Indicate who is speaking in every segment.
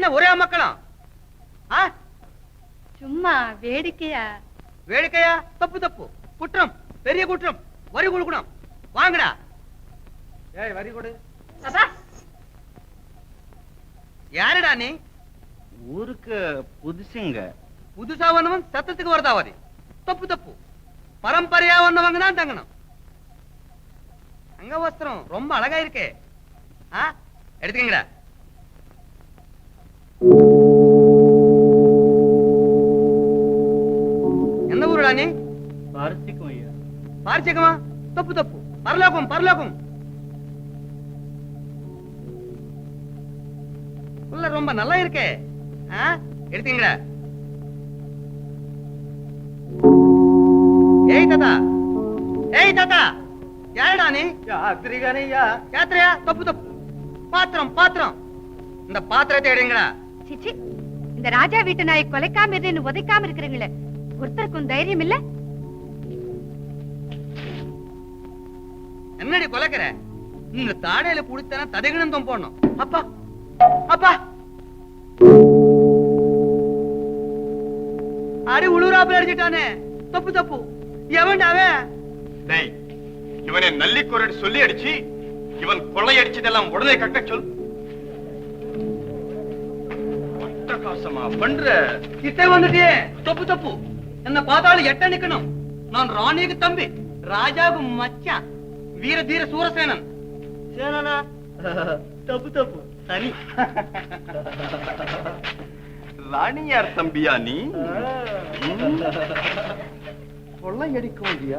Speaker 1: என்ன ஒரே மக்களும்?
Speaker 2: சும்மா வேடிக்கையா.
Speaker 1: வேடிக்கையா? தப்பு தப்பு, குற்றம், பெரிய குற்றம். வரி கொடுக்கணும். வாங்கடா. ஏய், வரி கொடு. யாருடா நீ?
Speaker 3: ஊருக்கு புதுசுங்க.
Speaker 1: புதுசா வந்தவன் சத்தத்துக்கு வரதாவாதி. தப்பு தப்பு. பரம்பரையா வந்தவங்க தான் தங்கணும். அங்க வஸ்திரம் ரொம்ப அழகா இருக்கே. எடுத்துக்கங்கடா. எந்த ஊருடா நீ?
Speaker 3: பாரசிக்கம் ஐயா.
Speaker 1: பாரசிக்கமா? தப்பு தப்பு. பரலோகம் பரலோகம். உள்ள ரொம்ப நல்லா இருக்கே. எடுத்துக்கங்கடா. ஏய் தாத்தா, ஏய் தாத்தா, யாருடா நீ? யாத்திரிகனையா. யாத்திரையா? தப்பு தப்பு. பாத்திரம் பாத்திரம். இந்த பாத்திரத்தை எடுங்கடா.
Speaker 2: சிச்சி, இந்த ராஜா வீட்டு நாயை கொலைக்காம இருந்து உதைக்காம இருக்கிறீங்களே, ஒருத்தருக்கும் தைரியம் இல்ல?
Speaker 1: என்னடி கொலைக்கிற? இந்த தாடையில புடித்தான ததகிணந்தம் போடணும். அப்பா அப்பா, அடி உளுராப்புல அடிச்சிட்டானே. தப்பு தப்பு. எவன்டாவே?
Speaker 4: டேய், இவனை நல்லிக்குரடி சொல்லி அடிச்சு இவன் கொள்ளை அடிச்சதெல்லாம் உடனே கட்ட சொல். அட்டகாசமா பண்ற.
Speaker 1: கிட்டே வந்துட்டியே. தப்பு தப்பு. என்ன பார்த்தாலும் எட்ட நிக்கணும். நான் ராணிக்கு தம்பி, ராஜாவுக்கு மச்சான், வீர தீர சூரசேனன்.
Speaker 3: சேனனா? தப்பு தப்பு. சரி.
Speaker 4: ராணியார் தம்பியா நீ? கொள்ளை அடிக்கும் இல்லையா?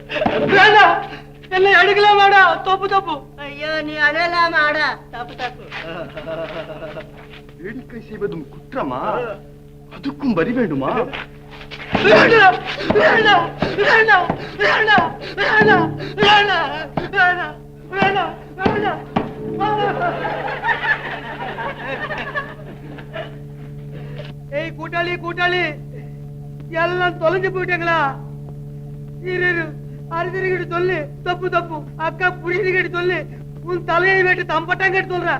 Speaker 1: என்ன அடிக்கலாமாடா? தப்பு தப்பு.
Speaker 2: ஐயோ, நீ அழலாமாடா? தப்பு தப்பு.
Speaker 4: வேடிக்கை செய்வதும் குற்றமா? அதுக்கும் வரி வேண்டுமா?
Speaker 1: ஏய் கூட்டாளி கூட்டாளி, எல்லாம் தொலைஞ்சு போயிட்டாங்களா? இரு அரிசிகிட்டு சொல்லு. தப்பு தப்பு. அக்கா புரியுது சொல்லு. உன் தலையை வெட்டு தம்பட்டாங்க சொல்ற.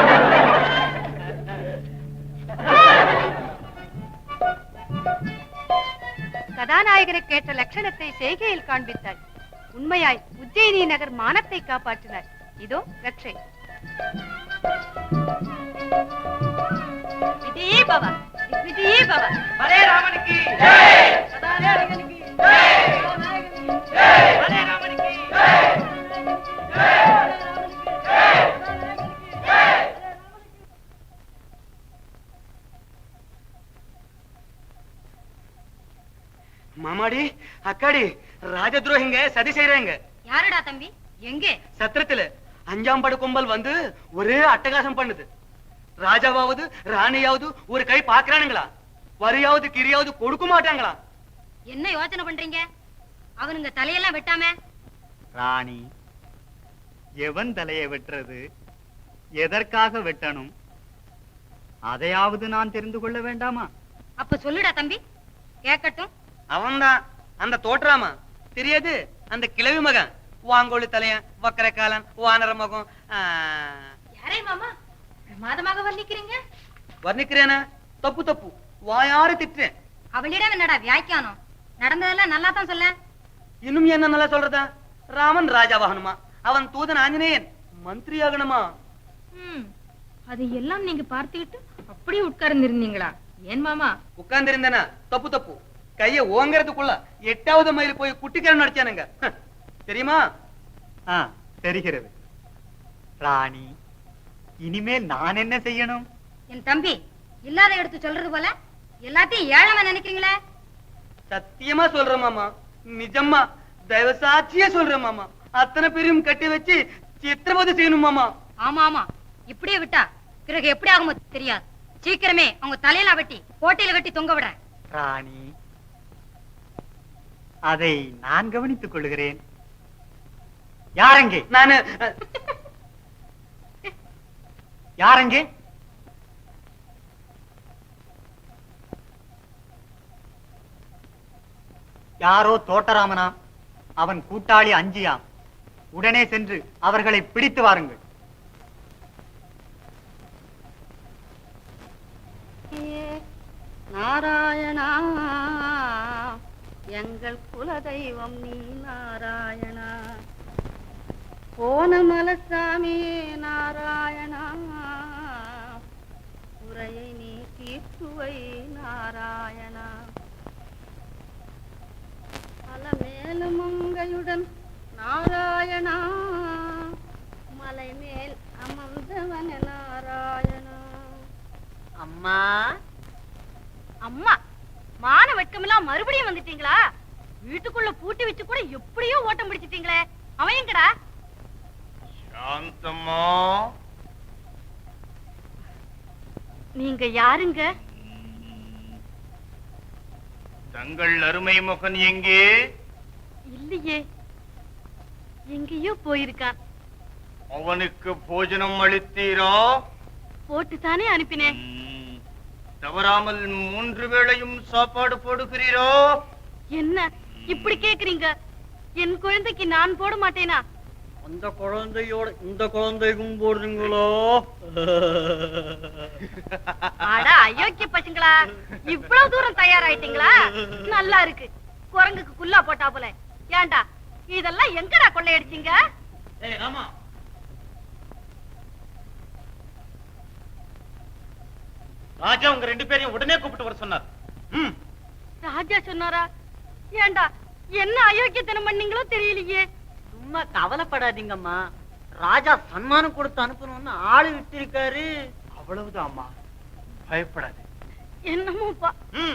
Speaker 2: கதாநாயகனுக்கு ஏற்ற லட்சணத்தை செய்கையில் காண்பித்தாள். உண்மையாய் உஜ்ஜயினி நகர் மானத்தை காப்பாற்றினார். இதோ ரட்சை. விஜயே பவ, விஜயே பவ.
Speaker 1: பலே ராமனுக்கு ஜெய். கதாநாயகனுக்கு ஜெய். ஜெய். பலே ராமனுக்கு ஜெய். ஜெய். மாமாடி, அக்காடி, ராஜதுரோகிங்க சதி செய்யறாங்க.
Speaker 2: யாருடா தம்பி? எங்கே?
Speaker 1: சத்திரத்துல 5ஆம் படு கும்பல் வந்து ஒரே அட்டகாசம் பண்ணுது. ராஜாவாவது ராணியாவது ஒரு கை பாக்குறானுங்களா? வரியாவது கிரியாவது கொடுக்க மாட்டாங்களா?
Speaker 2: என்ன யோசனை பண்றீங்க? அவனுங்க தலையெல்லாம் வெட்டாம.
Speaker 3: ராணி, எவன் தலையை வெட்டுறது, எதற்காக வெட்டணும், அதையாவது நான் தெரிந்து கொள்ள வேண்டாமா?
Speaker 2: அப்ப சொல்லுடா தம்பி, கேட்கட்டும்.
Speaker 1: அவன்தான் அந்த தோற்றாமா தெரியாது. அந்த கிழவி மகன், வாங்கோழி தலையன், வக்கர காலன், வானர மகம்.
Speaker 2: யாரே மாமா பிரமாதமாக வர்ணிக்கிறீங்க?
Speaker 1: வர்ணிக்கிறேன? தப்பு தப்பு. வாயாறு திட்டுறேன்.
Speaker 2: அவளிடம் என்னடா வியாக்கியானம்? நடந்ததெல்லாம் நல்லா தான் சொல்ல.
Speaker 1: இன்னும் என்ன நல்லா சொல்றதா? ராமன் ராஜாவாகணுமா, அவன் தூதன் ஆஞ்சநேயன் மந்திரி ஆகணுமா?
Speaker 2: அது எல்லாம் நீங்க பார்த்துக்கிட்டு அப்படியே உட்கார்ந்து இருந்தீங்களா? ஏன் மாமா?
Speaker 1: உட்கார்ந்து இருந்தேனா? தப்பு தப்பு. கைய ஓங்கறதுக்குள்ள 8வது மைல் போய் குட்டிக்காரன் நடிச்சானுங்க. தெரியுமா?
Speaker 3: தெரிகிறது. ராணி, இனிமேல் நான் என்ன செய்யணும்?
Speaker 2: என் தம்பி இல்லாத எடுத்து சொல்றது போல எல்லாத்தையும் ஏழமா நினைக்கிறீங்களே?
Speaker 1: சத்தியமா சொல்றேன் மாமா, நிஜமா தயவு சாட்சியா சொல்றேன் மாமா. அத்தனை பேரையும் கட்டி வச்சு சித்திரவதை செய்யணும் மாமா.
Speaker 2: ஆமா ஆமா, இப்படியே விட்டா பிறகு எப்படி ஆகுமோ தெரியாது. சீக்கிரமே அவங்க தலையில வெட்டி கோட்டையில வெட்டி தொங்க விட.
Speaker 3: ராணி, அதை நான் கவனித்துக் கொள்கிறேன். யாரெங்கே?
Speaker 1: நானு.
Speaker 3: யாரெங்கே? யாரோ தோட்டராமனா, அவன் கூட்டாளி அஞ்சியாம். உடனே சென்று அவர்களை பிடித்து வாருங்கள்.
Speaker 2: நாராயணா எங்கள் குலதெய்வம் நீ நாராயணா. போனமலசாமி நாராயணா குறையை நீ தீர்த்துவை நாராயணா. அலமேலு மங்கையுடன் நாராயணா மலை மேல் அமர்ந்தவன நாராயணா. அம்மா அம்மா, மான வெட்கமெல்லாம் மறுபடியும் வந்துட்டீங்களா? வீட்டுக்குள்ள பூட்டி வச்சு கூட எப்படியோ ஓட்டம் பிடிச்சிட்டீங்களே, அவன் எங்கடா?
Speaker 4: சாந்தம்மா,
Speaker 2: நீங்க யாருங்க?
Speaker 4: தங்கள் அருமை மகன் எங்கே?
Speaker 2: இல்லையே, எங்கேயோ போயிருக்கான்.
Speaker 4: அவனுக்கு போஜனம் அளித்தீரா?
Speaker 2: போட்டுத்தானே அனுப்பினேன்.
Speaker 4: தவறாமல் 3 வேளையும் சாப்பாடு போடுகிறீரோ?
Speaker 2: என்ன இப்படி கேக்குறீங்க? என் குழந்தைக்கு நான் போட மாட்டேனா?
Speaker 1: அந்த குழந்தையோட இந்த குழந்தைக்கும் போடுறீங்களோ?
Speaker 2: அட அயோக்கிய பசங்களா, இவ்வளவு தூரம் தயாராயிட்டீங்களா? நல்லா இருக்கு, குரங்குக்கு குல்லா போட்டா போல. ஏண்டா இதெல்லாம் எங்கடா கொள்ளையடிச்சீங்க?
Speaker 1: ஆமா, ராஜா உங்க 2 பேரையும் உடனே கூப்பிட்டு வர சொன்னார்.
Speaker 2: ராஜா சொன்னாரா? ஏண்டா என்ன அயோக்கியத்தனம் பண்ணீங்களோ தெரியலையே.
Speaker 5: சும்மா கவலைப்படாதீங்கம்மா, ராஜா சன்மானம் கொடுத்து அனுப்பணும்னு ஆளு விட்டு இருக்காரு.
Speaker 3: அவ்வளவுதான் அம்மா, பயப்படாது.
Speaker 2: என்னமோப்பா.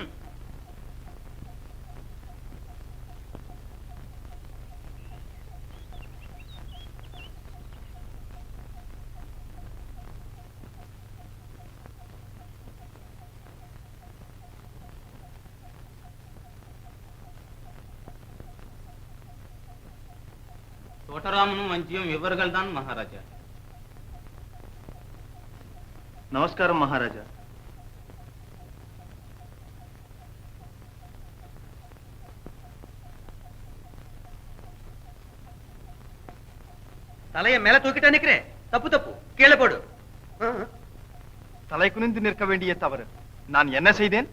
Speaker 6: தோட்டராமனும் வஞ்சியும் இவர்கள் தான் மகாராஜா.
Speaker 4: நமஸ்காரம் மகாராஜா.
Speaker 1: தலைய மேல தூக்கிட்டா நிக்கிறேன். தப்பு தப்பு, கீழே போடு.
Speaker 4: தலை குனிந்து நிற்க வேண்டிய தவறு நான் என்ன செய்தேன்?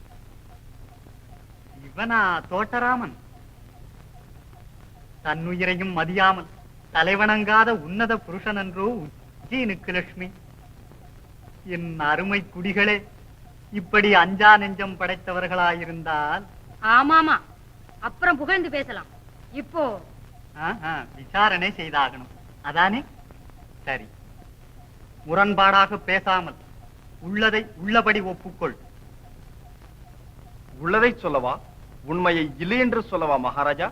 Speaker 3: இவனா தோட்டராமன்? தன்னுயிரையும் மதியாமல் தலைவணங்காத உன்னத புருஷன் என்றோ உஜ்ஜயினுக்கு லட்சுமி. என் அருமை குடிகளே, இப்படி அஞ்சா நெஞ்சம் படைத்தவர்களாயிருந்தால்
Speaker 2: ஆமாமா, அப்புறம் புகழ்ந்து பேசலாம். இப்போ
Speaker 3: விசாரணை செய்தாகணும். அதானே சரி. முரண்பாடாக பேசாமல் உள்ளதை உள்ளபடி ஒப்புக்கொள்.
Speaker 4: உள்ளதை சொல்லவா, உண்மையை இல்லை என்று சொல்லவா மகாராஜா?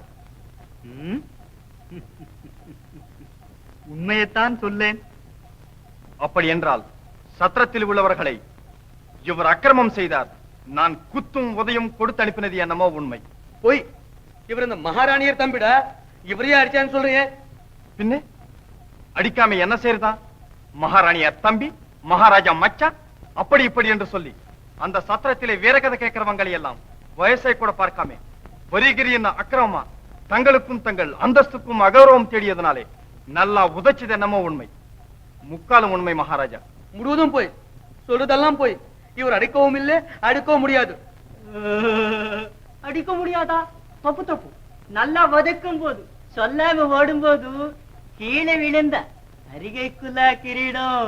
Speaker 3: உண்மையைத்தான் சொல்லேன்.
Speaker 4: அப்படி என்றால் சத்திரத்தில் உள்ளவர்களை இவர் அக்கிரமம் செய்தார், நான் குத்தும் உதயம் கொடுத்து அனுப்பினது என்னமோ உண்மை.
Speaker 1: போய் இவர் இந்த மகாராணியர் தம்பிடா, இவரையே அடிச்சான்னு சொல்றீங்க.
Speaker 4: பின்ன அடிக்காம என்ன செய்யறதா? மகாராணியார் தம்பி, மகாராஜா மச்சான், அப்படி இப்படி என்று சொல்லி அந்த சத்திரத்திலே வேற கதை கேட்கிறவங்களை எல்லாம் வயசை கூட பார்க்காம வரிகிரி என்ன அக்கிரமமா தங்களுக்கும் தங்கள் அந்தஸ்துக்கும் அகௌரவம் தேடியதனாலே நல்லா உதைச்சது என்னமோ உண்மை, முக்காலும் உண்மை மகாராஜா.
Speaker 1: முழுவதும் போய் சொல்றதெல்லாம் போய். இவர் அடிக்கவும் இல்லை, அடிக்கவும் முடியாது.
Speaker 5: அடிக்க முடியாதா? தப்பு தப்பு. நல்லா வதக்கும் போது சொல்லாம ஓடும் போது கீழே விழுந்த அரிகைக்குள்ள கிரீடம்.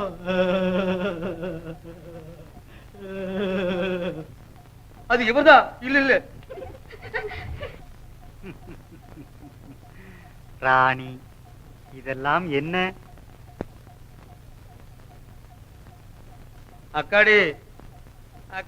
Speaker 1: அது இவர்தான். இல்ல இல்ல
Speaker 3: ராணி, இதெல்லாம் என்ன?
Speaker 1: அக்காடி,